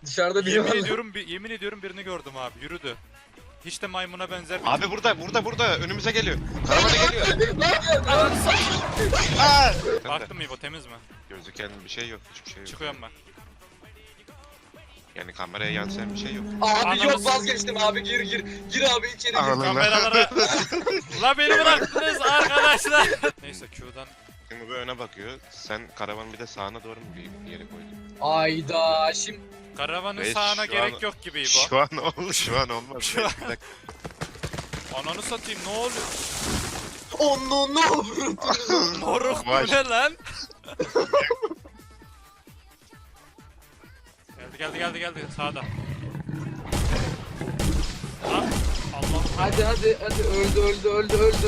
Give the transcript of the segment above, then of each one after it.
Dışarıda biri Yemin var. ediyorum, yemin ediyorum birini gördüm abi. Yürüdü. Hiç de maymuna benzer bir Abi burada önümüze geliyor. Karavana geliyor. Aa! Baktım İbo, temiz mi? Gözüken bir şey yok, hiçbir şey yok. Çıkıyorum ben. Yani kameraya yansıyan bir şey yok. Abi yok, vazgeçtim abi, gir. Gir abi içeri gir. Kameralara... La beni bıraktınız arkadaşlar. Neyse Q'dan. Şimdi bu öne bakıyor. Sen karavanı bir de sağına doğru mu bir yere koydun? Ayda şimdi. Karavanın Reis, sağına şu gerek an- yok gibi İbo. Şu an oldu, şu an olmaz. Şu an- Bir dakika. Ananı satayım, ne oluyor? Onu ne vurdun? Moruk bu Vay. ne lan? Geldi sağda. Ah, Allah. Hadi öldü.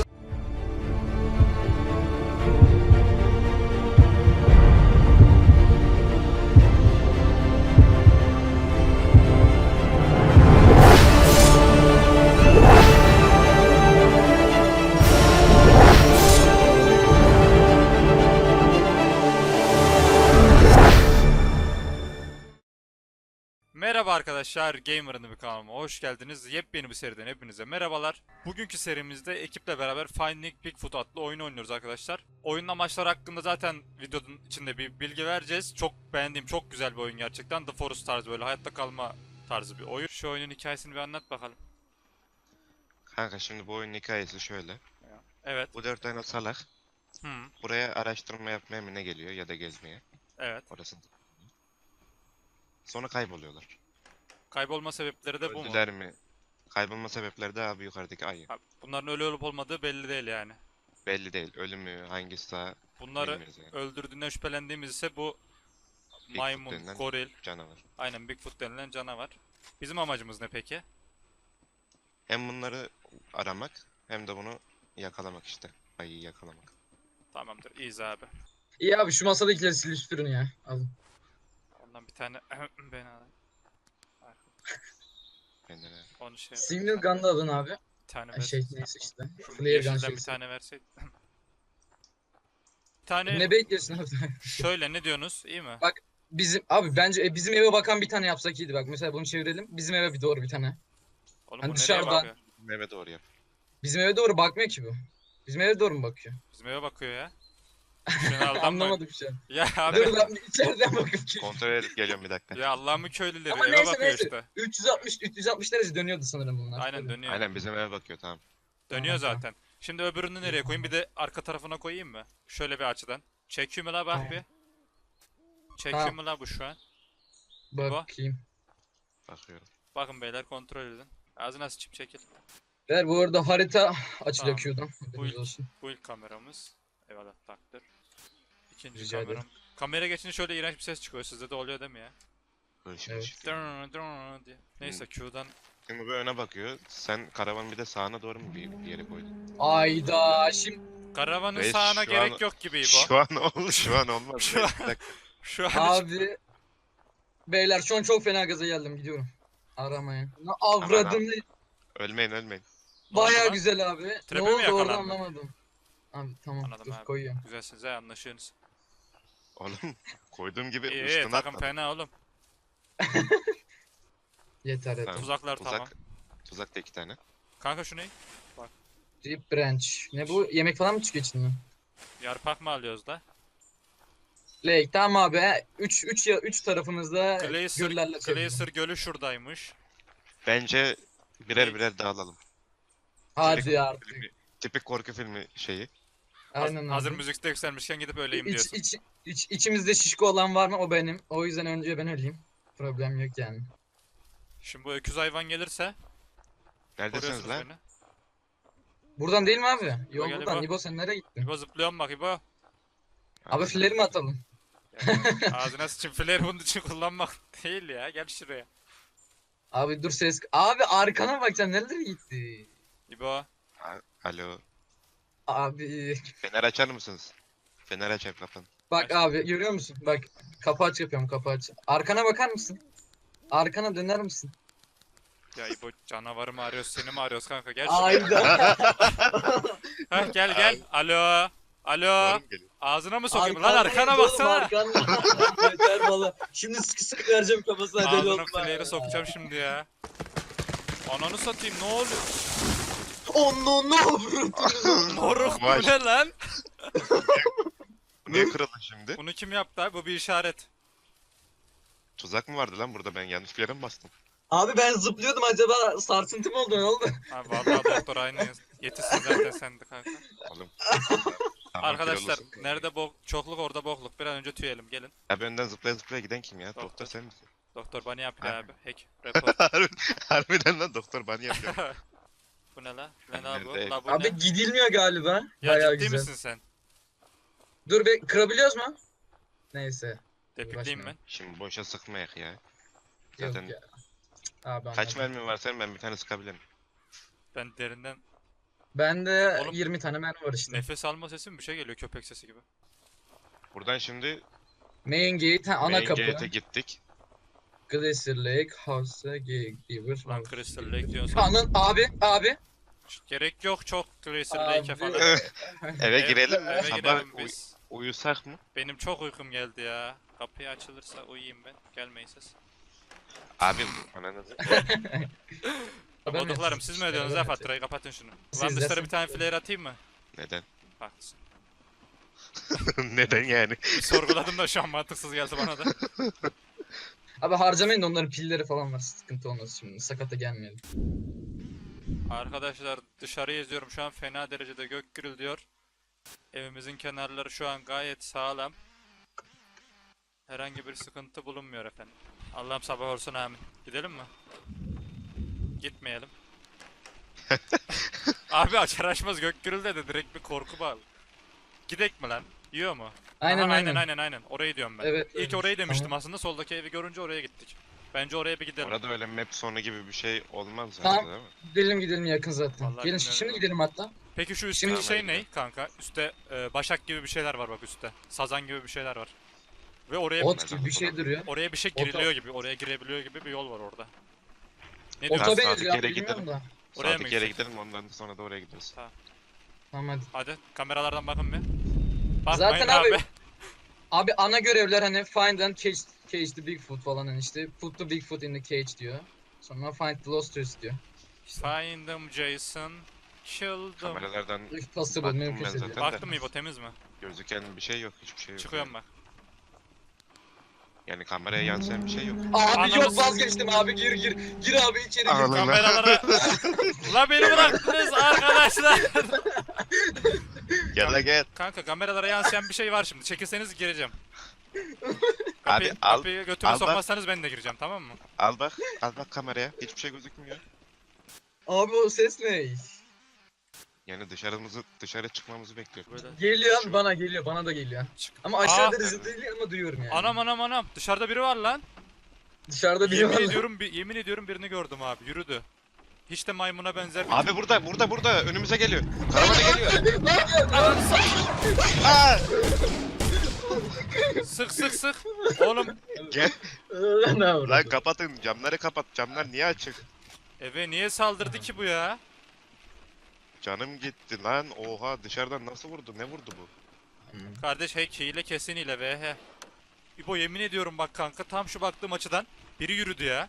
Merhaba arkadaşlar, Gamer'ın bir kanalıma hoş geldiniz. Yepyeni bir seriden hepinize merhabalar. Bugünkü serimizde ekiple beraber Finding Bigfoot adlı oyunu oynuyoruz arkadaşlar. Oyunun amaçları hakkında zaten videonun içinde bir bilgi vereceğiz. Çok beğendiğim, çok güzel bir oyun gerçekten. The Forest tarzı, böyle hayatta kalma tarzı bir oyun. Şu oyunun hikayesini bir anlat bakalım. Kanka şimdi bu oyunun hikayesi şöyle. Evet. Bu 4 tane salak Hı, buraya araştırma yapmaya mı ne geliyor ya da gezmeye. evet. Orası. Sonra kayboluyorlar. Kaybolma sebepleri de bu mu? Öldüler mi? Kaybolma sebepleri de abi yukarıdaki ayı. Ha, bunların ölü olup olmadığı belli değil yani. Belli değil. Ölümü hangisi sağ Bunları bilmiyoruz yani. öldürdüğünden şüphelendiğimiz ise bu Bigfoot maymun, denilen goril, canavar. aynen Bigfoot denilen canavar. Bizim amacımız ne peki? Hem bunları aramak hem de bunu yakalamak işte. Ayıyı yakalamak. Tamamdır, iyiyiz abi. İyi abi, şu masadakileri silip süpürün ya. Alın. Ondan bir tane ben alayım. Kendine. Onu şey Single gun'da alın abi. bir tane Ay, versin. neyse işte. Şu Flare gun yeşilden bir şeysi. tane verseydin. Bir tane Ne bekliyorsun abi? şöyle, ne diyorsunuz? İyi mi? Bak, Abi bence bizim eve bakan bir tane yapsak iyiydi. Bak mesela bunu çevirelim. Bizim eve bir doğru bir tane. Oğlum hani bu nereye dışarıdan- bakıyor? Meme doğru yap. Bizim eve doğru bakmıyor ki bu. Bizim eve doğru mu bakıyor? Bizim eve bakıyor ya. Şunu aldanma. Anlamadım şu an. Ya Dur abi. lan, içeriden bakıp ki. Kontrol edip geliyorum bir dakika. Ya Allah'ımın köylüleri Ama eve neyse, bakıyor neyse. işte. 360 derece dönüyordu sanırım bunlar. Aynen Tabii. dönüyor. Aynen bizim eve bakıyor tamam. Dönüyor Tamam, zaten. Şimdi öbürünü nereye koyayım? Bir de arka tarafına koyayım mı? Şöyle bir açıdan. Çekiyor mu la, bak Tamam. bir. Çekiyor mu la bu şu an? Bakayım. Bakıyorum. Bakın beyler, kontrol edin. Ağzına sıçıp çekil. Ver, bu arada harita açılıyor Tamam. Q'dan. Bu Haberiniz ilk, olsun. bu ilk kameramız. Eyvallah, taktır. İkinci Rica kameram. ederim. Kamera geçince şöyle iğrenç bir ses çıkıyor. Sizde de oluyor değil mi ya? Hırşır Evet. hırşır. Diye. Neyse Q'dan. Şimdi bu öne bakıyor. Sen karavanı bir de sağına doğru mu bir yere koydun? Ayda şimdi. Karavanın Reis, sağına şu gerek an- yok gibi İbo. Şu an oldu, şu an olmaz. Şu an- Bir dakika. Şu an Abi. Beyler şu an çok fena gaza geldim, gidiyorum. Aramaya. Avradını. Ölmeyin. Baya lan? güzel abi. Ne Trap'e mi oldu orada yakalandın? anlamadım. Abi tamam, Anladım dur abi. koyuyorum. Güzelsiniz ha, anlaşıyorsunuz. Oğlum koyduğum gibi İyi, üstüne takım atmadım. fena oğlum. Yeter yeter. Tamam. Tuzaklar tamam. Tuzak da 2 tane. Kanka şu ne? Deep branch. Ne bu? Yemek falan mı çıkıyor içinden? Yarpak mı alıyoruz da? Lake tamam abi. 3 tarafımızda göllerle Glacier gölü şuradaymış. Bence birer dağılalım. Hadi artık. Tipik korku filmi şeyi. Aynen Hazır abi. müzikte yükselmişken gidip öleyim İç, diyorsun. içimizde şişko olan var mı? O benim. O yüzden önce ben öleyim. Problem yok yani. Şimdi bu öküz hayvan gelirse Neredesiniz koruyorsunuz lan? beni. Buradan değil mi abi? Yol gel buradan. İbo. İbo sen nereye gittin? İbo zıplıyorum bak İbo. Abi filleri mi atalım? Ya, ağzına sıçın, flare bunun için kullanmak değil ya, gel şuraya. Abi dur ses. Abi arkana bakacaksın, nerelere gitti? İbo. Alo. Abi Fener açar mısınız? Fener açar kapın. bak abi, görüyor musun? Bak, kapı aç yapıyorum, kapı aç. Arkana bakar mısın? Arkana döner misin? Ya İbo, canavarı mı arıyoruz, seni mi arıyoruz kanka, gel şuraya. Ayda. Heh, gel. Alo. Doğru mu geliyor? Ağzına mı sokayım lan, arkana baksana. Arkanda. Yeter valla. Şimdi sıkı sıkı vereceğim kafasına deli Ağzına olma. flare'ı sokacağım şimdi ya. Ananı satayım, ne oluyor? Onu ne Moruk bu Vay. ne lan? Bu niye kırıldı şimdi? Bunu kim yaptı abi? Bu bir işaret. Tuzak mı vardı lan burada, ben yanlış bir yere mi bastım? Abi ben zıplıyordum, acaba sarsıntı mı oldu, ne oldu? Abi vallahi doktor aynı. Yetişsin zaten sen de kanka. Oğlum. Tamam, Arkadaşlar kilolusun. nerede çokluk orada bokluk. Bir an önce tüyelim, gelin. Abi önden zıplaya zıplaya giden kim ya? Doktor. Doktor sen misin? Doktor bana yapıyor Abi. abi. Hack. Report. Harbiden lan doktor bana yapıyor. Bu ne la? Ne la bu? Nerede? La bu Abi ne? gidilmiyor galiba. Ya Bayağı ciddi güzel. misin sen? Dur be, kırabiliyoruz mu? Neyse. Tepikliyim ben. Şimdi boşa sıkmayak ya. Yok Zaten ya. Abi kaç anladım. mermin var senin, ben bir tane sıkabilirim. Ben derinden Bende Oğlum, 20 tane mermi var işte. nefes alma sesi mi, bir şey geliyor, köpek sesi gibi. Buradan şimdi Main gate, ha, ana main kapı. gate'e gittik. Glacier Lake, House, Giver. Lan Crystal Lake diyorsun. Anın abi. Gerek yok çok Glacier Abi. Lake'e falan. Eve girelim mi? Eve Sabah girelim biz. uyusak mı? Benim çok uykum geldi ya. Kapıyı açılırsa uyuyayım ben. Gelmeyin siz. Abi ananızı. Koduklarım siz mi ödüyorsunuz ha faturayı, kapatın şunu. Lan Siz dışarı de- bir tane flare atayım mı? Neden? Haklısın. Neden yani? Bir sorguladım da şu an mantıksız geldi bana da. Abi harcamayın da, onların pilleri falan var, sıkıntı olmaz şimdi, sakata gelmeyelim. Arkadaşlar dışarıyı izliyorum şu an, fena derecede gök gürülüyor. Evimizin kenarları şu an gayet sağlam. Herhangi bir sıkıntı bulunmuyor efendim. Allah'ım sabah olsun, amin. Gidelim mi? Gitmeyelim. Abi açar açmaz gök gürülde de direkt bir korku bağlı. Gidek mi lan? Yiyor mu? Aynen Aha, aynen. aynen. Orayı diyorum ben. Evet, İlk evet. orayı demiştim Tamam. aslında, soldaki evi görünce oraya gittik. Bence oraya bir gidelim. Orada öyle map sonu gibi bir şey olmaz Tamam. zaten değil mi? Gidelim yakın zaten. Vallahi Gelin bilmiyorum şimdi ya. gidelim hatta. Peki şu Şimdi- üstteki şey ne kanka? Üstte başak gibi bir şeyler var bak üstte. Sazan gibi bir şeyler var. Ve oraya Ot gibi bir şey duruyor. oraya bir şey Ota- giriliyor gibi, oraya girebiliyor gibi bir yol var orada. Ne Ota diyorsun? sadık benziyor abi, yere bilmiyorum gidelim. da. Oraya mı Sadık yere gidecek? gidelim, ondan sonra da oraya gideriz. Tamam hadi. Hadi kameralardan bakın bir. Bakmayın Zaten abi. abi- Abi ana görevler hani find and cage the Bigfoot falan, hani işte put the Bigfoot in the cage diyor. Sonra find the lost tourist diyor. Find them Jason. Kill them. Kameralardan If possible, Baktım ben mümkünse diyor. zaten. Baktım İbo, temiz mi? gözüken bir şey yok, hiçbir şey yok. Çıkıyorum bak. Yani kameraya yansıyan bir şey yok. Abi Ananı yok, vazgeçtim abi, gir abi içeri gir. Ananı- Kameralara... La beni bıraktınız arkadaşlar. Gel la gel. Kanka kameralara yansıyan bir şey var şimdi. Çekilseniz gireceğim. Abi al, Kapıyı götüme al bak. sokmazsanız ben de gireceğim, tamam mı? al bak kameraya. Hiçbir şey gözükmüyor. Abi o ses ne? Yani dışarı çıkmamızı bekliyor. Böyle. Geliyor abi, Şu- bana geliyor, bana da geliyor. Çık. Ama aşağı Aa. derecede değil ama duyuyorum yani. Anam. Dışarıda biri var lan. Dışarıda biri Yemin var. ediyorum, yemin ediyorum birini gördüm abi. Yürüdü. Hiç de maymuna benzer bir... Abi burada önümüze geliyor. Karavana geliyor. Ananı satayım. Aa! Sık. Oğlum Gel. Ne var? Lan kapatın, camları kapat. Camlar niye açık? eve niye saldırdı ki bu ya? Canım gitti lan. Oha, dışarıdan nasıl vurdu? Ne vurdu bu? Kardeş hack hile kesin hile VH. İbo yemin ediyorum bak kanka, tam şu baktığım açıdan biri yürüdü ya.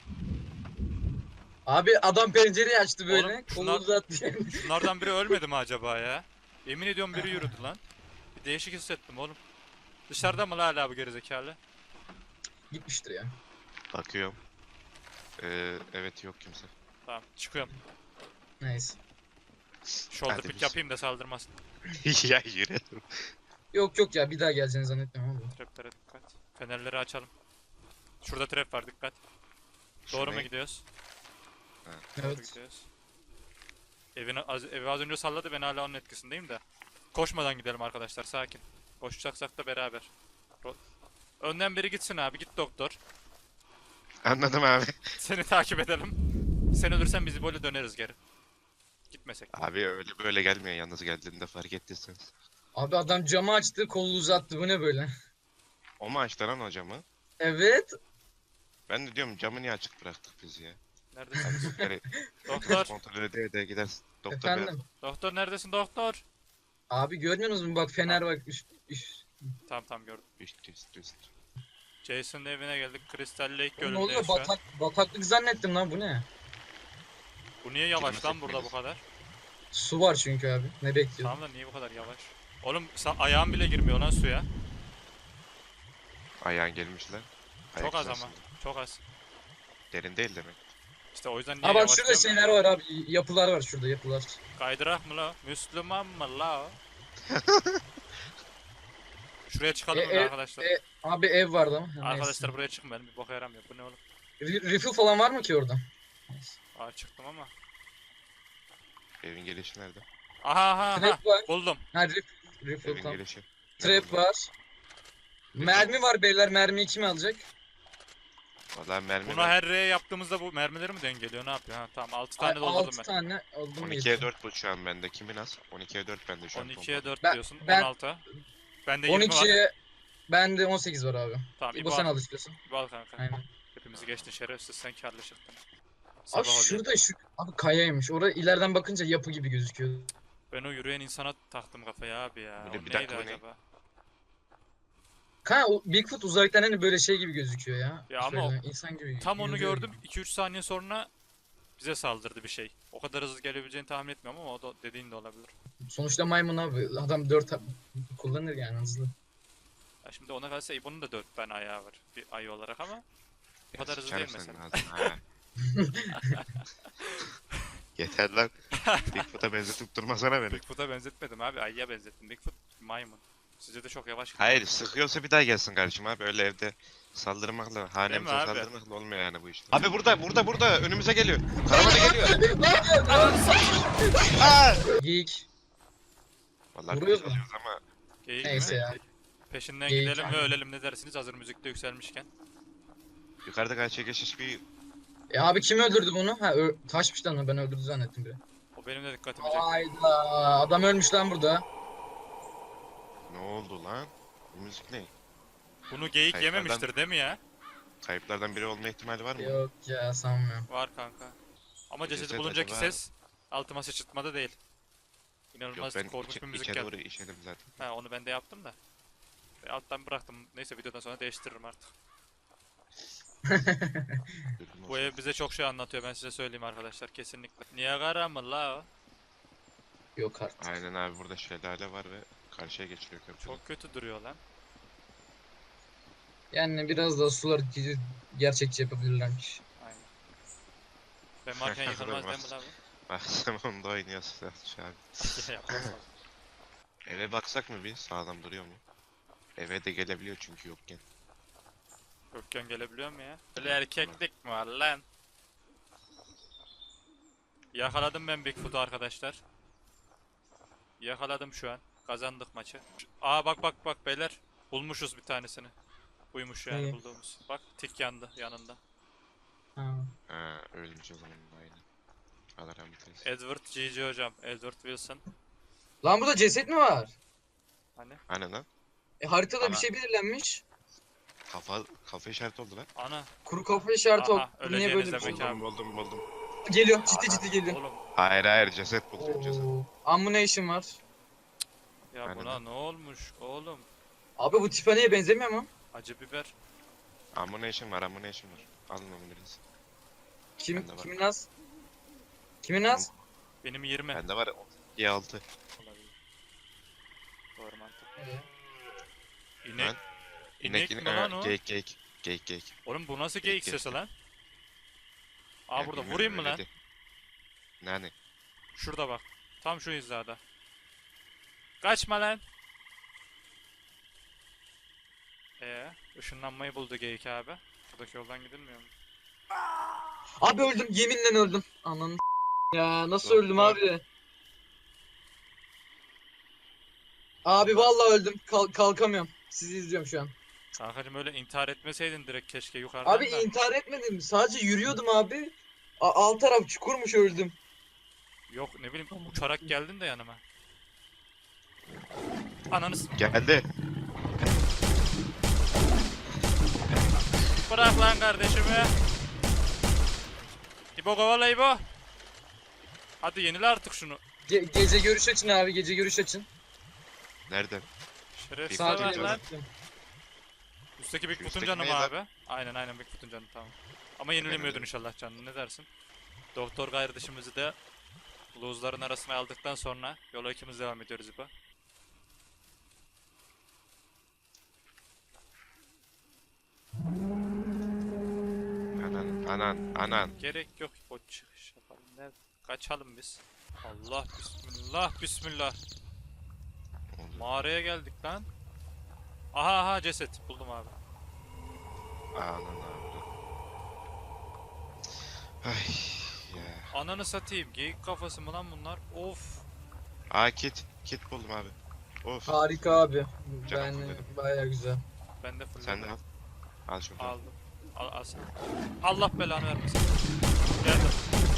Abi adam pencereyi açtı böyle. Oğlum, Kolu şunlar- uzattı. Şunlardan biri ölmedi mi acaba ya? Yemin ediyorum biri yürüdü lan. Bir değişik hissettim oğlum. Dışarıda mı la hala bu gerizekalı? Gitmiştir ya. Bakıyorum. Evet, yok kimse. Tamam çıkıyorum. Neyse. Shoulder Hadi pick biz. yapayım da saldırmasın. Ya yürü. Yok ya, bir daha geleceğini zannetmiyorum abi. Traplere dikkat. Fenerleri açalım. Şurada trap var, dikkat. Doğru mu gidiyoruz? Doğru Evet. gidiyoruz. Evi az önce salladı, ben hala onun etkisindeyim de. Koşmadan gidelim arkadaşlar, sakin. Koşacaksak da beraber. Önden biri gitsin abi, git doktor. Anladım abi. Seni takip edelim. Sen ölürsen bizi böyle döneriz geri. Gitmesek. Abi öyle böyle gelmiyor, yalnız geldiğinde fark ettiyseniz. Abi adam camı açtı, kolu uzattı, bu ne böyle? O mu açtı lan o camı? Evet. Ben de diyorum, camı niye açık bıraktık biz ya? Neredesin? Yani Doktor. kontrol ede gideriz. Doktor Efendim. Doktor neredesin doktor? Abi görmüyorsunuz mu? Bak fener bak. Üst. Tamam gördüm. Üst. Jason'ın evine geldik. Crystal Lake Ne gölündeyiz oluyor? şu an. Bataklık zannettim lan, bu ne? Bu niye yavaş lan Girmesek burada bu miyiz? kadar? Su var çünkü abi. Ne bekliyorsun? Tamam da niye bu kadar yavaş? Oğlum ayağın bile girmiyor lan suya. Ayağın gelmişler. Çok az ama. Çok az. Derin değil demek. İşte o yüzden niye Aa bak yavaş şurada diyorum şeyler ya. var abi. Yapılar var şurada, yapılar. Kaydırak mı la? Müslüman mı la? o? Şuraya çıkalım mı arkadaşlar? Abi ev vardı ama. Ha, Arkadaşlar neyse. buraya çıkın, benim bir boka yaramıyor. Bu ne oğlum? Refill falan var mı ki orada? Aa çıktım ama. Evin gelişi nerede? Aha. Trap var. Buldum. Ha refill Evin tamam. gelişi. Trap var. Mermi var beyler. Mermiyi kim alacak? Valla mermi Buna her R'ye yaptığımızda bu mermileri mi dengeliyor? Ne yapıyor? Ha tamam 6 tane doldurdum 6 ben. tane aldım. 12'ye 4 bu şu an bende. Kimin az? 12'ye 4 bende şu an. 12'ye 4 Ben- diyorsun. ben- 16. Bende 20 var. 12'ye bende 18 var abi. Tamam İbo İbo sen al. al istiyorsan. İbo al kanka. Aynen. Hepimizi geçtin şerefsiz, sen karlı çıktın. Abi Sabah oluyor. şurada abi kayaymış. Orada ileriden bakınca yapı gibi gözüküyor. Ben o yürüyen insana taktım kafaya abi ya. Bir de O bir dakika, neydi bu ne? acaba? O Bigfoot uzaktan hani böyle şey gibi gözüküyor ya. Ya ama Şöyle insan gibi. Tam onu yürüyor. gördüm. 2-3 saniye sonra bize saldırdı bir şey. O kadar hızlı gelebileceğini tahmin etmiyorum ama o da dediğin de olabilir. Sonuçta maymun abi. Adam 4 kullanır yani hızlı. Ya şimdi ona kalsa İbo'nun da 4 tane ayağı var. Bir ayı olarak ama bu kadar hızlı Sıçarım değil senin mesela. ağzına, ha. Yeter lan. Bigfoot'a benzetip durmasana beni. Bigfoot'a benzetmedim abi. Ayıya benzettim. Bigfoot maymun. Sizce de çok yavaş gidiyor. Hayır, sıkıyorsa bir daha gelsin kardeşim abi. Öyle evde saldırmakla, hanemize abi? saldırmakla olmuyor yani bu işte. Abi burada önümüze geliyor. Karavana geliyor. Aa! Geyik. Vallahi Vuruyoruz biz mu? alıyoruz ama Geyik Neyse mi? ya. Peşinden Geyik gidelim yani. ve ölelim, ne dersiniz hazır müzikte yükselmişken. yukarıda karşıya geçiş bir Abi kim öldürdü bunu? Ha taşmış lan, ben öldürdü zannettim biri. O benim de dikkatimi çekti. Hayda, adam ölmüş lan burada. ne oldu lan? Bu müzik ne? Bunu geyik Kayıtlardan- yememiştir değil mi ya? Kayıplardan biri olma ihtimali var mı? Yok ya, sanmıyorum. Var kanka. Ama cesedi Ceset buluncaki acaba- ses altıma sıçırtmada değil. Yok, İnanılmaz ben korkunç bir müzik içe geldi. doğru işedim zaten. Ha onu ben de yaptım da. Ve alttan bıraktım. Neyse videodan sonra değiştiririm artık. Dürbün Bu olsun. ev bize çok şey anlatıyor, ben size söyleyeyim arkadaşlar kesinlikle. Niagara mı la o? Yok artık. Aynen abi, burada şelale var ve karşıya geçiliyor köprü. Çok kötü duruyor lan. Yani biraz daha sular gerçekçi yapabilirlermiş. Aynen. Ben varken yıkılmaz değil mi la bu? Bak sen onda oynuyorsun şu an. Yapmaz. Eve baksak mı bir? Sağlam duruyor mu? Eve de gelebiliyor çünkü yokken. Gökhan gelebiliyor mu ya? Öyle erkeklik mi var lan? Yakaladım ben Bigfoot'u arkadaşlar. Yakaladım şu an. Kazandık maçı. Aa bak beyler. Bulmuşuz bir tanesini. Buymuş yani İyi. bulduğumuz. Bak tik yandı yanında. Ha. Ha, ölmüş o zaman aynen. Allah rahmet eylesin. Edward GG hocam. Edward Wilson. Lan burada ceset mi var? Hani? Hani lan? Haritada bir Ana. şey belirlenmiş. Kafa işareti oldu lan. Ana. Kuru kafa işareti Aha, o. Niye böyle bir öleceğiniz şey? demek Buldum abi. buldum. Geliyor, ciddi geliyor. Oğlum Hayır ceset buldum ceset. Oo. Ammunition var. ya Aynen buna lan. ne olmuş oğlum? Abi bu Tiffany'ye benzemiyor mu? Acı biber. Ammunition var. Alın onu biraz. Bende var. Kimin az? Kimin az? Benim 20. Bende var 6. Olabilir. Doğru mantık. Evet. İnek. Lan. İnek mi lan o? Geyik. Oğlum bu nasıl geyik Geyik sesi lan? Aa Ya burada bilmiyorum, vurayım mı lan? öyleydi. Yani Şurada bak. Tam şu hizada. Kaçma lan. Işınlanmayı buldu geyik abi. Buradaki yoldan gidilmiyor mu? Abi öldüm, yeminle öldüm. Ananı ya, nasıl Yok, öldüm yok. abi? Abi vallahi öldüm. Kalkamıyorum. Sizi izliyorum şu an. Kankacım öyle intihar etmeseydin direkt keşke yukarıdan Abi da. intihar etmedim. Sadece yürüyordum abi. Alt taraf çukurmuş, öldüm. Yok ne bileyim uçarak geldin de yanıma. Ananız. geldi. Bırak lan kardeşimi. İbo kovala İbo. Hadi yenile artık şunu. Gece görüş açın abi, gece görüş açın. Nereden? Şerefsiz Saat ver Saat lan. gittim. Üstteki Bigfoot'un Üstteki canı mı ne lan? abi? Aynen Bigfoot'un canı tamam. Ama yenilemiyordun inşallah canını, ne dersin? Doktor kardeşimizi de lose'ların arasına aldıktan sonra yola ikimiz devam ediyoruz İbo. Anan. Gerek yok İbo, çıkış yapalım. Ne? Kaçalım biz. Allah bismillah. Oldu. Mağaraya geldik lan. Aha ceset buldum abi. Anan abi. Ay ya. Ananı satayım, geyik kafası mı lan bunlar? Of. Aa kit buldum abi. Of. Harika abi. Canım Ben fulledim. baya güzel. Ben de full Sen de al. Al şunu. aldım. Al sen. Allah belanı vermesin. Geldim.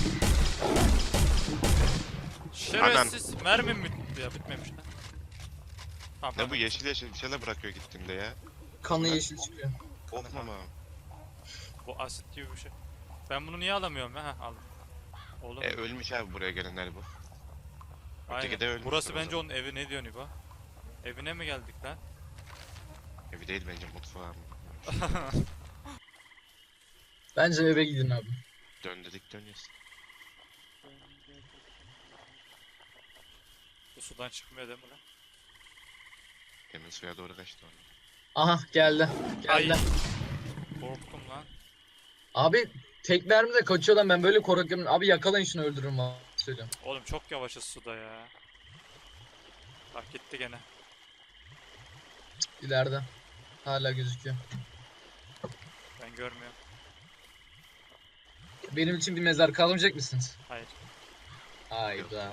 Şerefsiz. Mermim bitti ya, bitmemiş lan. Tamam, Ne tamam. bu yeşil bir şeyler bırakıyor gittiğimde ya. Kanı yeşil çıkıyor. Korkmam abi. Bu asit gibi bir şey. Ben bunu niye alamıyorum ya? Heh, aldım. Oğlum. Ölmüş abi buraya gelenler bu. Aynen. öteki de ölmüş Burası o bence zaman. onun evi, ne diyorsun İbo? Evine mi geldik lan? Evi değil bence mutfağı. Bence eve gidin abi. Dönüyoruz. Bu sudan çıkmıyor değil mi lan? Emin suya doğru kaçtı onu. Aha geldi. Ay. Geldi. Korktum lan. Abi tek mermide kaçıyor lan, ben böyle korkuyorum. Abi yakalayın şunu, öldürürüm valla. Söylüyorum. Oğlum çok yavaşız suda ya. Bak gitti gene. İleride. Hala gözüküyor. Ben görmüyorum. Benim için bir mezar kazmayacak mısınız? Hayır. Hayda.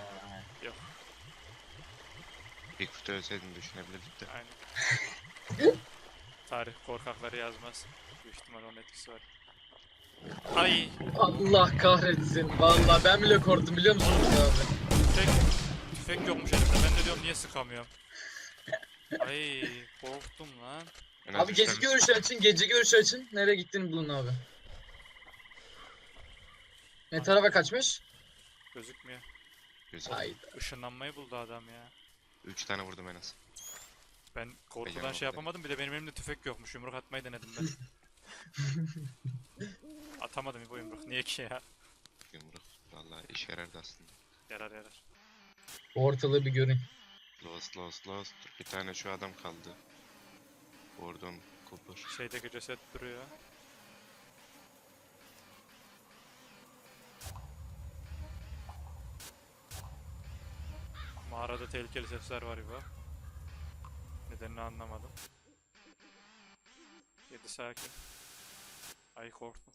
Bigfoot'u ölseydin düşünebilirdik de. Aynen. Tarih korkakları yazmaz. Büyük ihtimal onun etkisi var. Ay. Allah kahretsin. Vallahi ben bile korktum, biliyor musunuz abi? Tüfek yokmuş elimde. Ben de diyorum niye sıkamıyorum. Ay korktum lan. En az Abi üç gece tane- görüşü açın, gece görüşü açın. Nereye gittiğini bulun abi. Ne tarafa kaçmış? Gözükmüyor. Güzel. Hayda. Işınlanmayı buldu adam ya. 3 tane vurdum en az. Ben korkudan Beceremem şey yapamadım, bir de benim elimde tüfek yokmuş. Yumruk atmayı denedim ben. Atamadım bu yumruk. Niye ki ya? Yumruk. Vallahi işe yarardı aslında. Yarar yarar. Ortalığı bir görün. Lost. Bir tane şu adam kaldı. Gordon Cooper. Şeydeki ceset duruyor. Mağarada tehlikeli sesler var İbo. Nedenini anlamadım. 7 sakin. Ay korktum.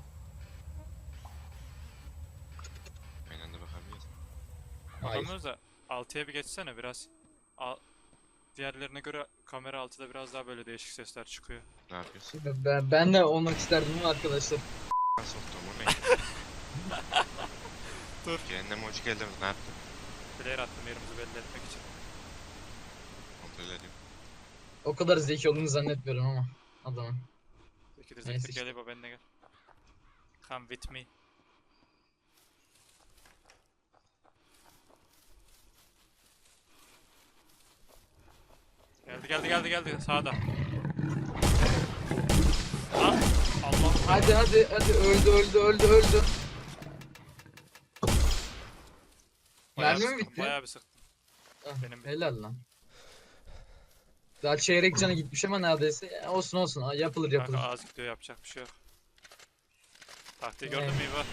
Aynı anda bakabiliriz. Hayır. Bakamıyoruz da 6'ya bir geçsene biraz. Diğerlerine göre kamera 6'da biraz daha böyle değişik sesler çıkıyor. Ne yapıyorsun? Ben de olmak isterdim ama arkadaşlar. Soktum o ne? Dur. Cehenneme hoş geldiniz. Ne yaptın? Player attım yerimizi belli etmek için. Kontrol ediyorum. O kadar zeki olduğunu zannetmiyorum ama adamın. İki de Neyse zektir işte. gel İbo, benimle gel. Come with me. Geldi sağda. Ah, Allah. Hadi öldü. Mermi mi bitti? Bayağı bir sıktım. Ah, Benim bitti. helal lan. Daha çeyrek canı gitmiş ama neredeyse. Olsun. Yapılır. Kanka az gidiyor, yapacak bir şey yok. Taktiği gördün mü İbo?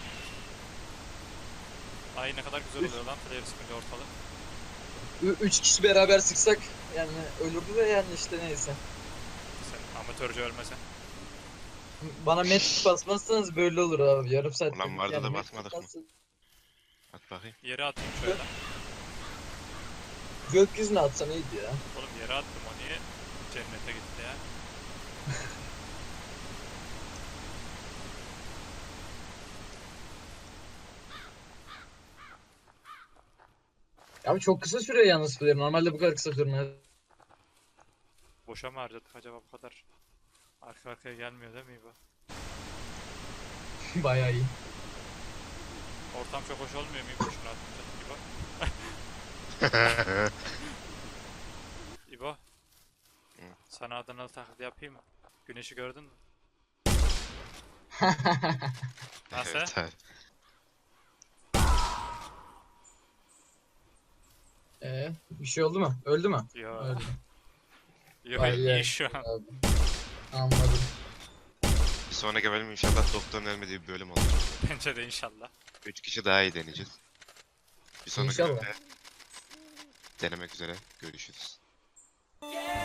Ay ne kadar güzel oluyor lan player sıkınca ortalık. 3 kişi beraber sıksak yani ölürdü de yani işte neyse. Sen amatörce ölmesen. Bana met basmazsanız böyle olur abi. Yarım saat. Ulan vardı da met basmadık mı? basın. At bakayım. Yere atayım şöyle. Gökyüzüne atsan iyiydi ya. Oğlum yere attım, o niye cennete gitti ya? Abi çok kısa sürüyor yalnız flare. Normalde bu kadar kısa sürmez. Boşa mı harcadık acaba bu kadar? Arka arkaya gelmiyor değil mi İbo? Bayağı iyi. Ortam çok hoş olmuyor mu İbo şunu atınca İbo? Sana Adanalı taklidi yapayım mı? Güneşi gördün mü? Nasıl? Evet abi. Bir şey oldu mu? Öldü mü? Yo. Öldü. Yo Vay iyi be. şu an. Abi. Anladım. Bir sonraki bölüm inşallah doktorun ölmediği bir bölüm olacak. Bence de inşallah. 3 kişi daha iyi deneyeceğiz. Bir sonraki İnşallah. bölümde denemek üzere görüşürüz.